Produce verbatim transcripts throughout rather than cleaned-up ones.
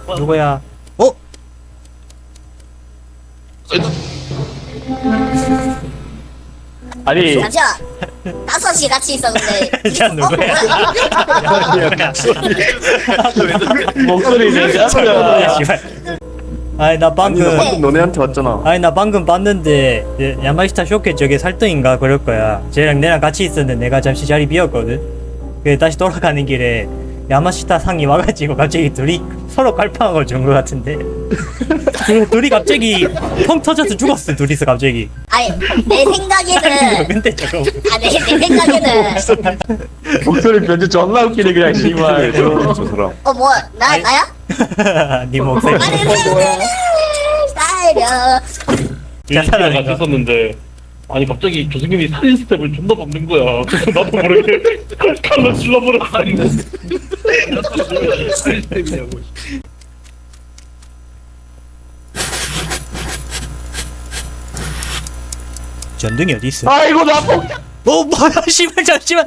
누구야? 어? 아니 잠시만. 다섯이 같이 있었는데. 자 누구야? 목소리 내가 씨발. 아니 나 아니 나 방금 방금 너네한테 왔잖아. 아니 나 방금 봤는데 예, 야마시타 쇼케 저게 살등인가 그럴 거야. 쟤랑 내랑 같이 있었는데 내가 잠시 자리 비었거든. 그래 다시 돌아가는 길에 야마시타 상이 와가지고 갑자기 둘이 서로 깔팡하고 죽은 것 같은데. 그 둘이 갑자기 펑 터져서 죽었어. 둘이서 갑자기. 아니 내 생각에는. 근데 저거 아내 내 생각에는. 목소리 변주 존나 웃기네 그냥 씨발. 저 사람. 어 뭐 나 나야? 네 목소리. 아니 살려. 자, 같이 있었는데 아니 갑자기 교수님이 살인 스텝을 존나 밟는 거야. 그래서 나도 모르게 칼로 찔러버렸어. 아니 살인 스텝이냐고. 전등이 어디 있어? 아이고 나 폭. 어 뭐야 씨발 잠시만.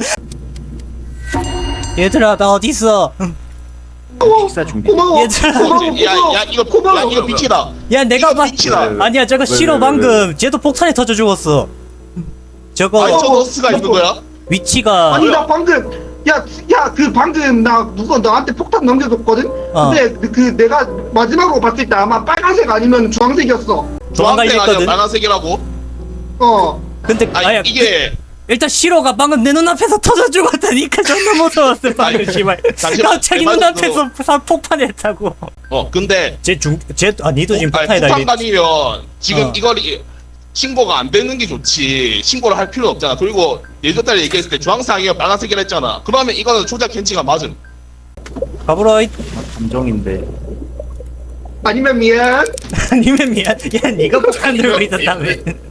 얘들아 나 어디 있어? 식사 준비. 얘들아. 야야 이거 야 이거 빛이다. 야 내가 이거 봐. 빛이다. 아니야 저거 왜, 싫어 왜, 왜, 방금. 쟤도 폭탄에 터져 죽었어. 저거 아니 저 너스가 있는 거야? 위치가 아니 나 방금 야 야 그 방금 나 누가 나한테 폭탄 넘겨줬거든? 어. 근데 그, 그 내가 마지막으로 봤을 때 아마 빨간색 아니면 주황색이었어. 도망가 주황색 아니야 있거든. 빨간색이라고? 어. 근데 아니 아야 이게 일단 시로가 방금 내 눈앞에서 터져 죽었다니까 존나 무서웠어 방금 아니, 씨발. 잠시만, 갑자기 내 눈앞에서 사 폭탄했다고. 어 근데 쟤중쟤아 니도 지금 아니 폭탄에다 이래. 폭탄관이면 지금 어. 이걸 이- 신고가 안 되는 게 좋지. 신고를 할 필요 없잖아. 그리고 예전달에 얘기했을 때 주황색 아니야 빨간색이라 했잖아. 그러면 이거는 조작 캔치가 맞음. 가보라. 이- 감정인데. 아니면 미안. 아니면 미안. 야 니가 폭탄 들고 있었다며.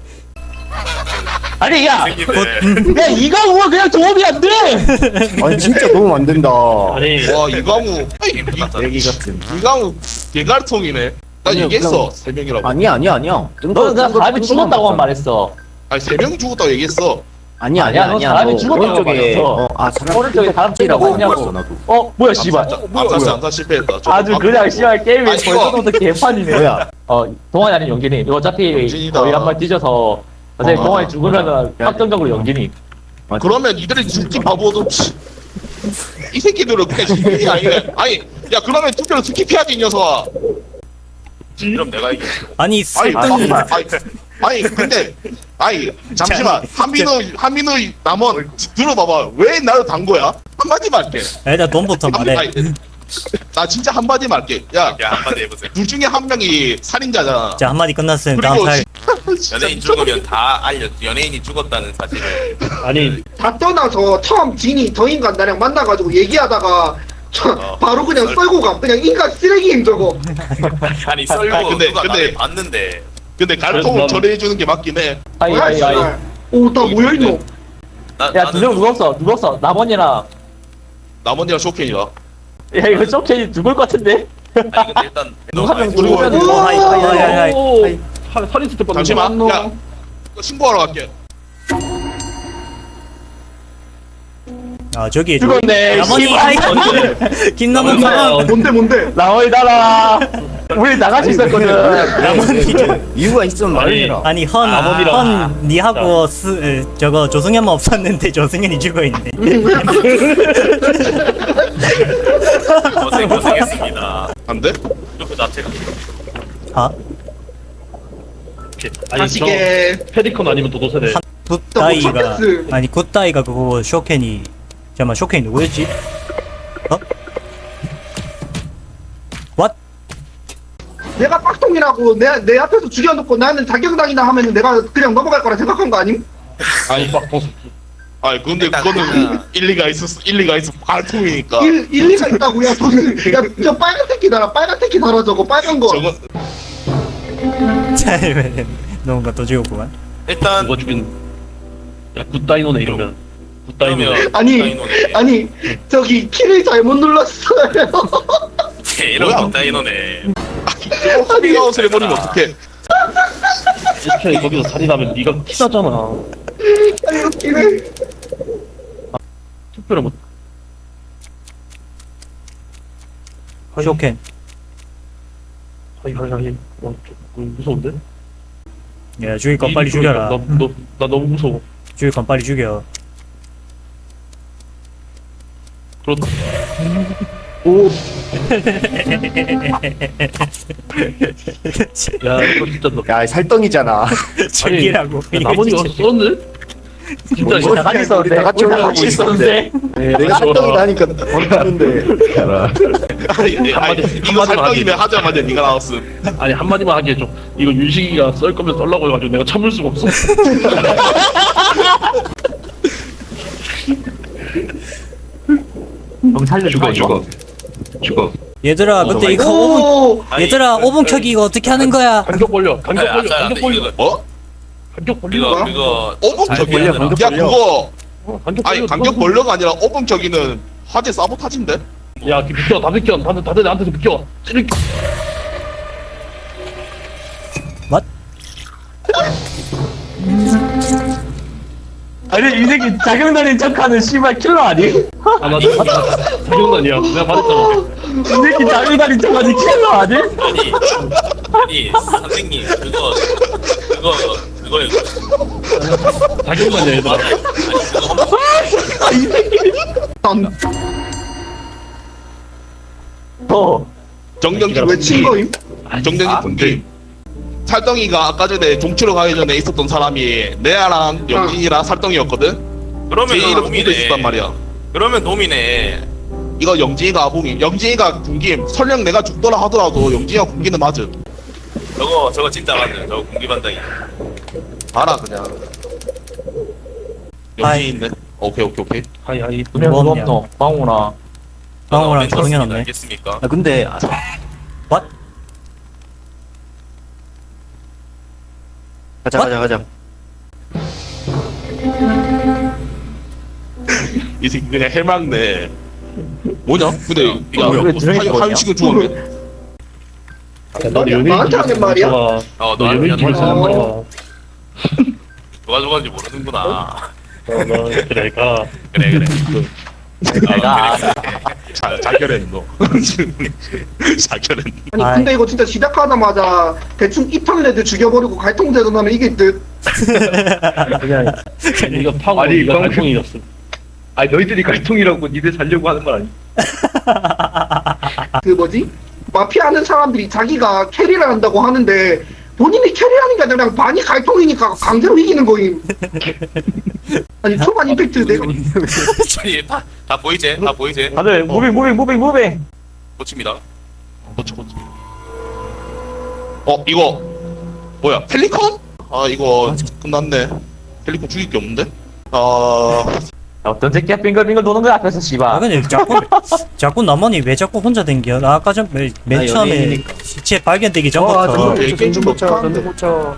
아니 야. 야 이거 뭐 그냥 도움이 안 돼. 아니 진짜 도움 안 된다. 아니 와 이강우 얘기 같은. 이강우 개갈통이네. 난 아니요, 얘기했어 그냥- 세 명이라고. 아니야 아니야 아니야. 너는 그냥 사람이 죽었다고만 말했어. 아니 세 명 죽었다고 얘기했어. 아니야 아니야, 아니야 너 아니야. 사람이 너 죽었다고 오른쪽에 말했어. 어, 아 사람 오른쪽에 사람 죽이라고 죽이라고 했어 나도. 어 뭐야 씨발. 암사 암사 실패했다. 저거 아주 막- 그냥 씨발 게임이 아니, 이거- 벌써부터 개판이네. 뭐야? 어 동환이 아닌 연기니. 이거 어차피 연진이다. 거의 한 번 뒤져서 어차피 어, 동환이 어, 죽으면은 야, 확정적으로 연기니. 그러면 이들이 죽기 바보도 이 새끼들은 그냥 죽기 아니네. 아니 야 그러면 투표를 스킵해야지 이 녀석아. 그럼 내가 이겨. 아니 아니 살등. 아, 아니 아니 근데 아니 잠시만 한민우 한민우 남원 들어봐봐. 왜 나를 단 거야? 한마디만 할게. 일단 돈부터 말해. 아니, 나 진짜 한마디만 할게. 야, 야 한마디 해보세요. 둘 중에 한 명이 살인자잖아. 자 한마디 끝났으면 다음 그리고 살. 연예인 죽으면 다 알려. 연예인이 죽었다는 사실을. 아니 다 떠나서 처음 진이 더 인간 나랑 만나가지고 얘기하다가 저 어. 바로 그냥 썰고 가. 그냥 인간 쓰레기임 저거. 아니 썰고 아니, 근데- 누가 근데- 나를 봤는데. 근데 갈통을 난- 처리해주는 게 맞긴 해. 아이 뭐야 아이 아이. 씨발. 오다 모여있노. 나, 야 두 명 누웠어 누웠어. 남원이랑. 남원이랑 쇼케이라. 야 이거 쇼케이 죽을 것 같은데. 아니 근데 일단 누가 한명 그리고- 죽으면. 오, 하이, 하이, 하이, 하이, 하이. 오, 살- 살인 스텝 받는 잠시만. 거. 야, 이거 신고하러 갈게. 아 저기 죽었네. 남원이 씨발. 아이 김남원 사람. 뭔데 뭔데? 남원이 달아. 우리 나갈 수 있었거든. 남원이 이유가 있으면 말해라. 아니 헌, 남원이랑- 헌 니하고 스, 에, 저거 조승현만 없었는데 조승현이 죽어있네. 고생 고생했습니다. 안 돼? 그 자체가. 아? 아니 저 다시게. 페리콘 아니면 도도세대. 굿다이가 첫 아니 굿다이가 그거 쇼켄이 잠깐만 쇼켄이 누구였지? 어? 왓? 내가 빡통이라고 내, 내 앞에서 죽여놓고 나는 자격당이나 하면은 내가 그냥 넘어갈 거라 생각한 거 아님? 아니 막 어, 아니 근데 일단 그거는 그냥- 일리가 있었어. 일리가 있어. 갈통이니까. 일, 일리가 있다고. 야 저는 야저 빨간 새끼 달아. 빨간 새끼 달아 저거 빨간 거. 저거 잘 뭔가 또 죽었구만. 일단 누가 죽인 야 굿다이노네 이러면 굿다이노. 그러면 아니 굿다이노네. 아니 저기 키를 잘못 눌렀어요. 이런 굿다이노네. 저거 커밍아웃을 해버리면 어떡해. 이렇게 거기서 살인하면 네가 키나잖아. 아니 웃기네. 투표를 못. 쇼켄 아이 아이 아이 어, 좀 무서운데? 야 죽일 건 빨리 죽여라. 나, 너, 나 너무 무서워. 죽일 건 빨리 죽여. 그렇다. 오 야 이거 진짜 너. 야 살덩이잖아. 죽이라고. 아니, 나머지가 썼네? 진짜 뭐, 다 같이 있었는데. 같이 올라가고 있었는데. 내가 살덩이라니까 모르는데. 아니, 아니, 한마디, 이거 한마디만 살떡이면 하자마자 네가 나왔음. 아니 한마디만 하게 해줘. 이거 윤식이가 썰 거면 썰라고 해가지고 내가 참을 수가 없어. 형 살려 죽어 죽어 죽어. 얘들아 근데 이거 오 분 얘들아 오 분 켜기 이거 어떻게 하는 거야? 간격 벌려. 간격 아니, 벌려. 안 간격 돼, 벌려. 이거 어? 간격 벌려. 이거 이거 오븐 잘 격이야. 벌려, 간격 야 그거 어, 간격 아니 벌려. 간격 벌려가 아니라 오븐 격이는 화재 사보타지인데? 야 비켜. 다 비켜. 다들 다들 나한테서 비켜. 찌르기. 아니 이 새끼 자경단인 척하는 씨발 킬러 아니? 이 아 맞아. 맞아. 자경단이야. 내가 말했잖아. 새끼 자경단인 척하는 킬러 아니? 아니 아니 선생님 그거 그거 그거예요. 자경단이야 얘들아. 맞아. 아니 그거 어. 정경기 왜 친 거임? 정경기 분기 살덩이가 아까 전에 종치러 가기 전에 있었던 사람이 레아랑 영진이랑 살덩이였거든? 그러면 제 이름 놈이네. 붙어 있었단 말이야. 그러면 놈이네. 이거 영진이가 아봉임. 영진이가 군김. 설령 내가 죽더라 하더라도 영진이가 군기는 맞음. 저거 저거 진짜 맞네. 저거 공기반장이. 알아 그냥. 아이. 영진이 있네. 오케이 오케이 오케이. 하이 하이. 뭐 없냐? 방훈아. 방어랑 정연 없네. 알겠습니까? 아 근데 What? 가자 가자 가자. 이 새끼 그냥 해맑네. 뭐냐? 근데 야 뭐야, 왜 드래곤이 뭐냐? 한식은 죽었네. 나도 연예인 나한테 하는 말이야? 어, 어, 너 너 연예인 집에 사는 거야. 어, 누가 죽었는지 모르는구나. 너 그래 가. 그래 그래. 내가 자 자결했 너. 자결했. 아니 아이. 근데 이거 진짜 시작하자마자 대충 입학레드 죽여버리고 갈통제도 나면 이게 듯 그냥 이거 파고 아니, 이거 광- 갈통이었어. 아니 너희들이 갈통이라고 니들 살려고 하는 건 아니? 그 뭐지? 마피아 하는 사람들이 자기가 캐리를 한다고 하는데 본인이 캐리하는 게 아니라 그냥 반이 갈통이니까 강제로 이기는 거임. 아니 초반 임팩트 내가 저기 다, 다 보이지? 다 보이지? 다들 무빙 무빙 무빙 무빙. 고칩니다. 그렇지 그렇지. 어 이거 뭐야? 펠리컨? 아 이거 끝났네. 펠리컨 죽일 게 없는데? 아 어떤 새끼야 빙글빙글 도는 거야 앞에서 아 씨발. 근데 자꾸 자꾸 나만이 왜 자꾸 혼자 댕겨? 나 아까 전 맨 나 처음에 연예인이니까. 시체 발견되기 어, 전부터 아, 얘 게임 좀 고쳐 못하는데. 전대 고쳐.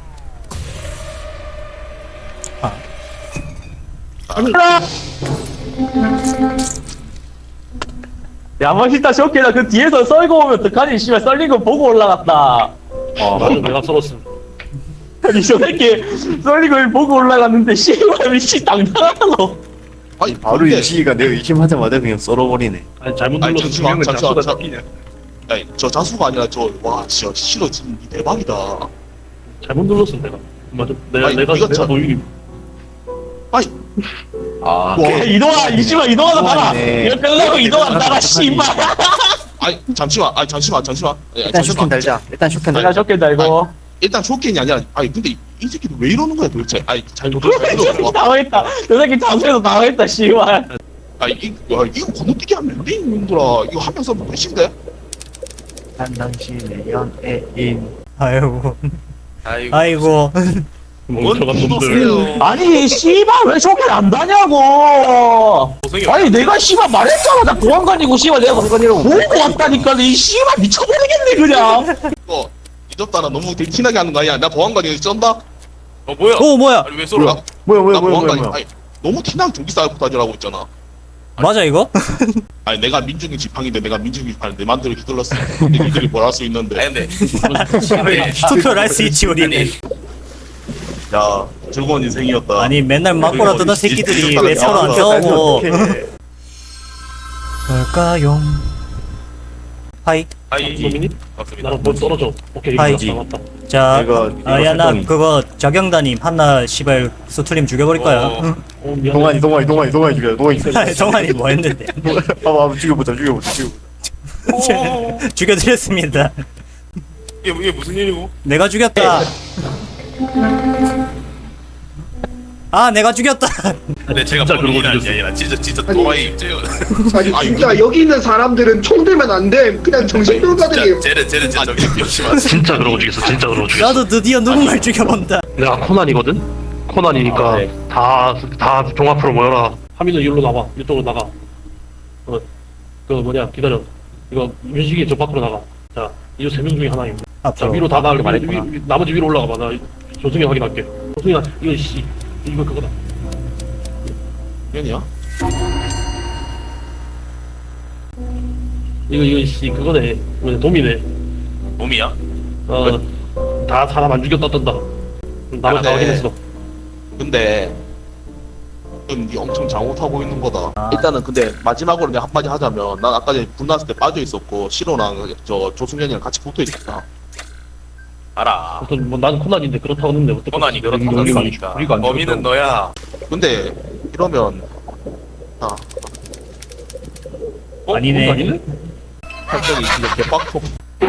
야 멋있다 쇼케나 그 뒤에서 썰고 오면 어떡하니 씨발 썰린 거 보고 올라갔다. 어 맞아 내가 썰었어. 아니 저 새끼 썰린 걸 보고 올라갔는데 씨발 미친 당당하노. 아니 바로 근데- 유지가 내가 의심하자마자 그냥 썰어버리네. 아니 잘못 아니, 눌러서 잠시만, 중요한 건 잠시만, 자수가 잠- 잡히냐. 아니 저 자수가 아니라 저와 진짜 싫어 지금 대박이다. 잘못 눌렀어 내가. 맞아. 내가 아니, 내가 이거 내가 참- 노유. 아니 아. 와, 야, 이동아 이씨발 이동하다 따라. 네. 이거 끝나고 이동하다 따라 씨발. 아니 잠시만 아니 잠시만 잠시만. 아니, 일단 잠시만. 쇼캔 달자. 일단 쇼캔 내가 달자. 쇼케다 이거. 일단 쇼킹이 아니라 아니 근데 이, 이 새끼도 왜 이러는 거야 도대체? 아니 잘못 잘못 당황했다. 저 새끼 잠수해서 당황했다 씨발. 아니 이, 야, 이거 건너뛰기 하면 안 돼, 이놈들아. 이거 하면서 뭐 끝인데? 난 당신의 연예인. 아이고 아이고. 아이고 멍청한 놈들. 보세요. 아니 씨발 왜 쇼케 안 다냐고. 고생이 아니 내가 씨발 말했잖아 나 보안관이고 씨발 내가 보안관이라고 보고 왔다니까 이 씨발 미쳐버리겠네 그냥. 이거 잊었다 나 너무 되게 티나게 하는 거 아니야? 나 보안관이 쩐다? 어 뭐야? 오 뭐야 아니 왜 쏘러? 나, 뭐야 나 뭐야 뭐야 보안관이 뭐야. 아니 너무 티나게 전기 쌓고 다니라고 했잖아. 맞아 이거? 아니 내가 민중이 지팡인데 내가 민중이 지팡이 내 맘대로 휘둘렀어. 근데 니들이 뭘 할 수 있는데. 아니 근데 투표를 할 수 있지 우리는. 아니 야 즐거운 인생이었다. 아니 맨날 맞고라 뜨던 새끼들이 왜 서로 안 싸우고 어떡해. 뭘까요? 하이 하이. 소민이? 맞습니다. 나랑 뭐 떨어져. 오케이, 하이. 이거 맞다. 자, 이거- 이거 아, 야, 나 살덩이. 그거 저경단님 한나 씨발 수틀림 죽여버릴 거야. 어. 어, 미안해. 동환이 동환이 동환이 동환이 죽여 동환이 죽여. 정환이 뭐 했는데? 봐봐 죽여보자 죽여보자 죽여보자. 죽여드렸습니다. 이게, 이게 무슨 일이고? 내가 죽였다. 아, 내가 죽였다. 근데 제가 진짜 본인이 그러고 아니라 아니라 진짜 진짜 아니. 또라이 입제요. 아니 진짜 여기 있는 사람들은 총 들면 안 돼. 그냥 정신병자들이에요. 쟤는 쟤는 진짜 저기 역시만. 진짜 그러고 죽였어. 진짜 그러고 죽였어. 나도 드디어 누군가를 죽여본다. 내가 코난이거든? 코난이니까 아, 네. 다, 다 종합으로 모여라. 하민은 이리로 나와. 이쪽으로 나가. 어, 그 뭐냐, 기다려. 이거 윤식이 저 밖으로 나가. 자, 이 세 명 중에 하나임. 자, 앞으로. 위로 다 나가. 위, 말했구나. 위, 나머지 위로 올라가 봐. 나 조승이 확인할게. 조승이야, 이거 씨. 이거 그거다. 년이야? 이거, 이거 씨, 그거네. 뭐냐, 도미네. 몸이야? 어, 다 사람 안 죽였다 뜬다. 나만 다 네. 확인했어. 근데 지금 니 엄청 잘못하고 있는 거다. 아. 일단은 근데 마지막으로 내가 한마디 하자면 난 아까 전에 분났을 때 빠져 있었고 시로랑 저 조승현이랑 같이 붙어 있었다. 알아. 어떤 뭐 나는 코난인데 그렇다고 했는데 어떻게 코난이 그렇다고 우리가 안 했으니까. 죽- 우리가 안 범인은 죽였다고. 너야. 근데 이러면 아 어? 아니네. 그거 아니네? 갑자기 진짜 개빡통.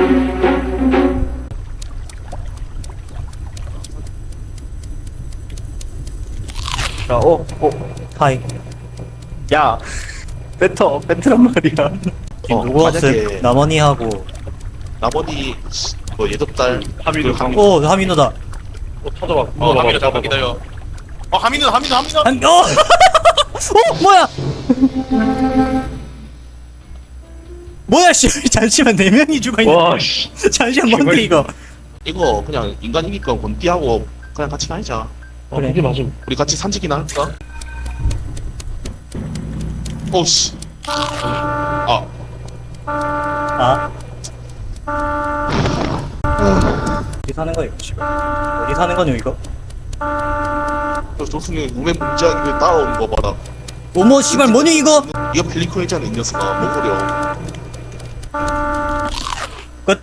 자, 어, 어, 하이. 야, 배터, 배트란 말이야. 어, 누구 왔음? 만약에 남원이하고. 나머지 뭐 예접달 하민우, 그 하민우. 오, 하민호다. 어, 찾아봐. 어 물어봐봐, 하민아 찾아봐. 잠깐 기다려. 어 하민우 하민우 하민우. 한, 어! 어, 뭐야? 뭐야, 씨. 잠시만, 네 명이 죽어있네. 와, 씨. 잠시만, 뭔데, 이거? 이거 그냥 인간이니까 권띠하고 그냥 같이 다니자. 어, 그래. 그게 맞음. 우리 같이 산책이나 할까? 오씨. 아 아. 어디 사는 거야, 이거, 씨발. 어디 사는 거냐, 이거? 저 조승이 우매 문제하기를 따라오는 거 봐라. 어머, 씨발, 뭐냐, 이거? 이거 펠리콘이잖아 이 녀석아. 뭐 그려. 끝.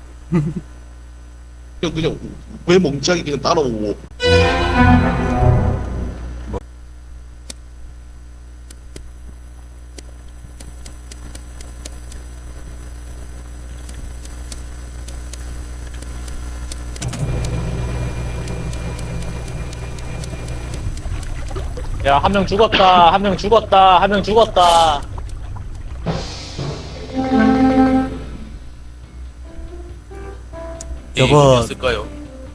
그냥 그냥 왜 멍청하게 그냥 따라오고. 야, 한 명 죽었다. 한 명 죽었다. 한 명 죽었다. 저거- 였을까요?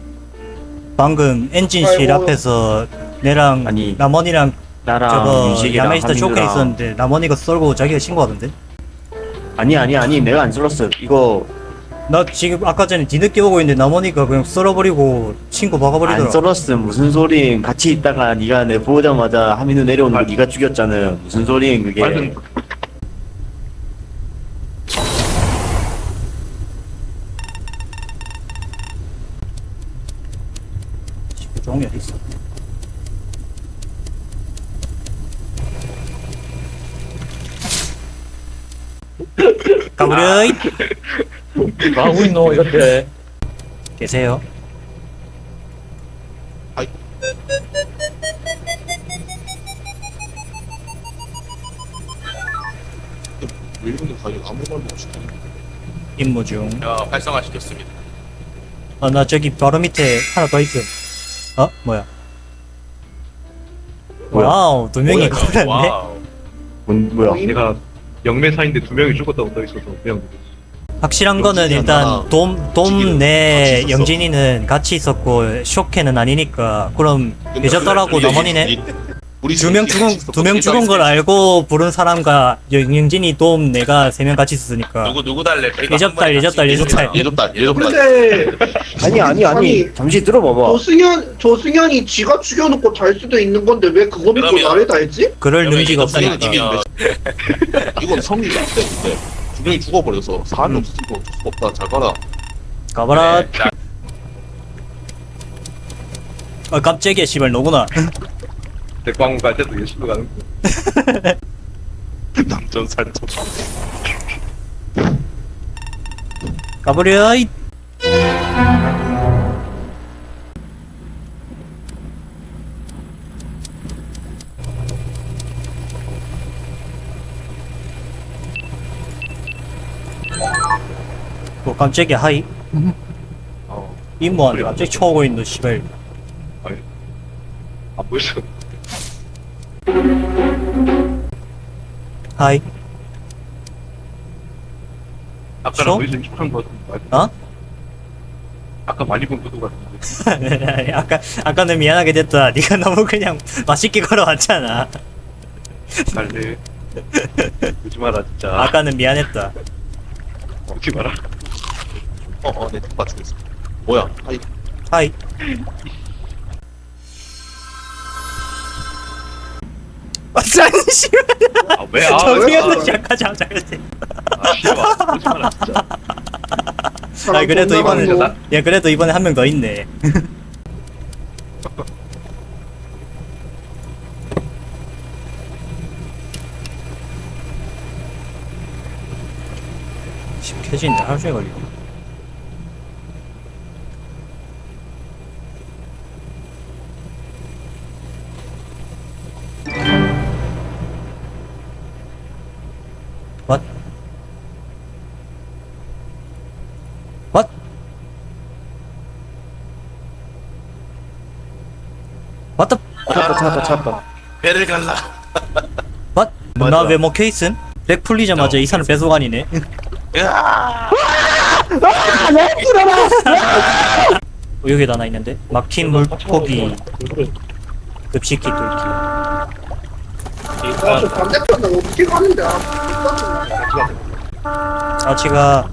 방금 엔진실 아이고. 앞에서 내랑 아니, 남원이랑 나랑 저거 윤식이랑 야메시타 쇼케 하민우랑- 있었는데 남원이가 썰고 자기가 신고하던데? 아니 아니 아니 내가 안 썰었어. 이거 나 지금 아까 전에 뒤늦게 오고 있는데 남원이가 그냥 썰어버리고 친구 박아버리더라. 안 썰었어. 무슨 소린? 같이 있다가 네가 내 보자마자 하민우 내려오는 거 네가 죽였잖아. 무슨 소린 그게? 말든 종이 어디 있어? 가브려이 뭐 하고 있노, 이렇게. 계세요. 왜 이러는 가격 아무 말도 없이. 임무 중. 야 활성화 시켰습니다. 아, 나 저기 바로 밑에 하나 더 있음. 어? 뭐야? 뭐야? 와우, 두 명이 걸렸네. 와우. 뭔 뭐야? 내가 영매사인데 두 명이 죽었다고 써 있어서 그냥 확실한 거는 영진이 일단 하나, 돔, 지기는 돔 내 같이 있었어. 영진이는 같이 있었고 쇼케는 아니니까 그럼 근데 예졌더라고 우리- 남원이네. 우리- 우리 두 명 셋이 죽은 같이 두 명 있었거든. 죽은 걸 알고 부른 사람과 영- 영진이 돔 내가 세 명 같이 있었으니까. 누구 누구 달래? 이거 예접달, 한 번에 예접달, 같이 예접달. 예접달 예접달. 근데 아니 아니 아니. 아니, 잠시 들어봐봐. 조승현 조승현이 지가 죽여놓고 잘 수도 있는 건데 왜 그거 믿고 그러면- 나를 다 했지? 그럴 그러면 능지가 예접달이 없으니까. 아니면 이건 성리가 안 돼. 근데 두 명이 죽어버려서 사람이 음. 없으니까 어쩔 수가 없다. 잘 가라. 가봐라. 네, 자, 아 깜짝이야 씨발 너구나. 대광 갈 때도 예술로 가는 거. 남전 살짝. 가버려 이. 뭐 깜짝이야 하이. 어. 임무한테 갑자기 쳐오고 있는 씨발. 안 보였어. 하이. 아까랑 저? 보이스 촉한 거 같은데. 어? 아까 많이 본 것도 같은데. 아까 아까는 미안하게 됐다. 네가 너무 그냥 맛있게 걸어왔잖아. 달래. 오지 마라 진짜. 아까는 미안했다. 오지 마라. 어어 내 뒷바 죽였어. 뭐야? 아이 하이. 아, 씨발. 아 왜? 아 정리해서 왜? 시작하자마자. 아 씨발. 오지 마라 진짜. 아 그래도 존나 이번에 많고. 야 그래도 이번에 한 명 더 있네. 켜지는데 하루 종일 걸리고. What? What? What the? 찾았다 찾았다 찾았다. 배를 갈라. What? 맞아. 나 왜 먹혀 있음? 렉 풀리자마자 이 사람 배속아니네. 으아! 어, 여기다 하나 있는데? 막힌 물고기 급식기 뚫기. 아, 저 반대편 나 어떻게 가는데? 아, 아치가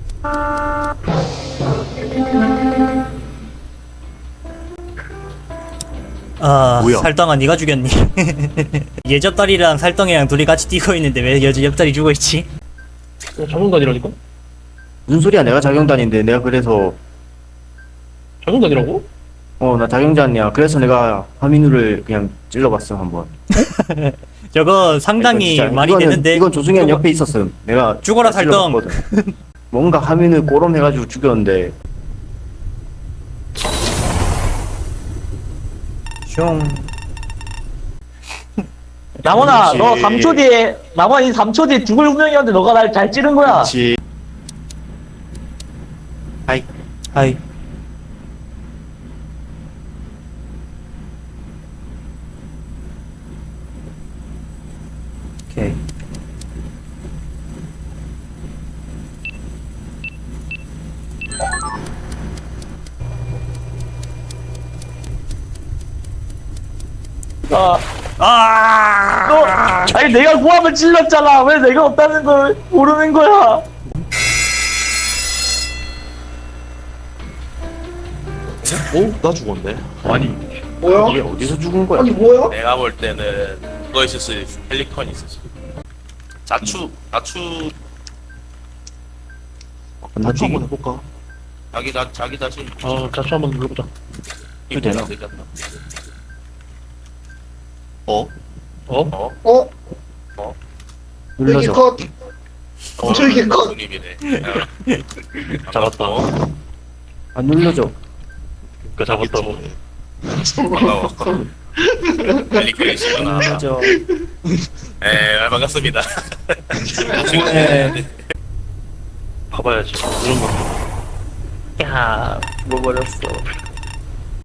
아 뭐야? 살덩아 니가 죽였니? 얘 옆다리랑 살덩이랑 둘이 같이 뛰고 있는데 왜 여자 옆다리 죽어있지? 어, 자동단이라니까? 무슨 소리야? 내가 자경단인데 내가 그래서 자동단이라고? 어 나 자경단이야. 그래서 내가 하민우를 그냥 찔러봤어 한번. 저거 상당히 이건 진짜- 말이 이거는- 되는데 이건 조승현 옆에 있었음. 내가 죽어라, 살덩. 찔러봤거든. 뭔가 하민우 꼬롬해가지고 죽였는데 슝 남원아, 그렇지. 너 삼 초 뒤에, 남원이 삼 초 뒤에 죽을 운명이었는데 너가 날 잘 찌른 거야. 그렇지. 하이. 하이 오케이 아, 아 너, 아니 내가 구함을 찔렀잖아. 왜 내가 없다는 걸 모르는 거야? 어? 나 죽었네. 아니 뭐야? 왜 어디서 죽은 거야? 아니 뭐야? 내가 볼 때는 그거 있었어. 펠리컨 있었어. 자추, 자추, 자추 한번 해볼까? 자기 자 자기 자신. 아 자취 한번 눌러보자. 이거 되나? 되겠다. 어? 어? 어? 어? 여기 눌러줘. 컷. 어, 저기 컷. 손님이네. 잡았다. 안 눌러줘. 그니까 잡았다고. 반가워. 펠리컨이시구나. 눌러줘. 에, 반갑습니다. 네. 봐봐야지. 이런 거. 야, 죽어버렸어.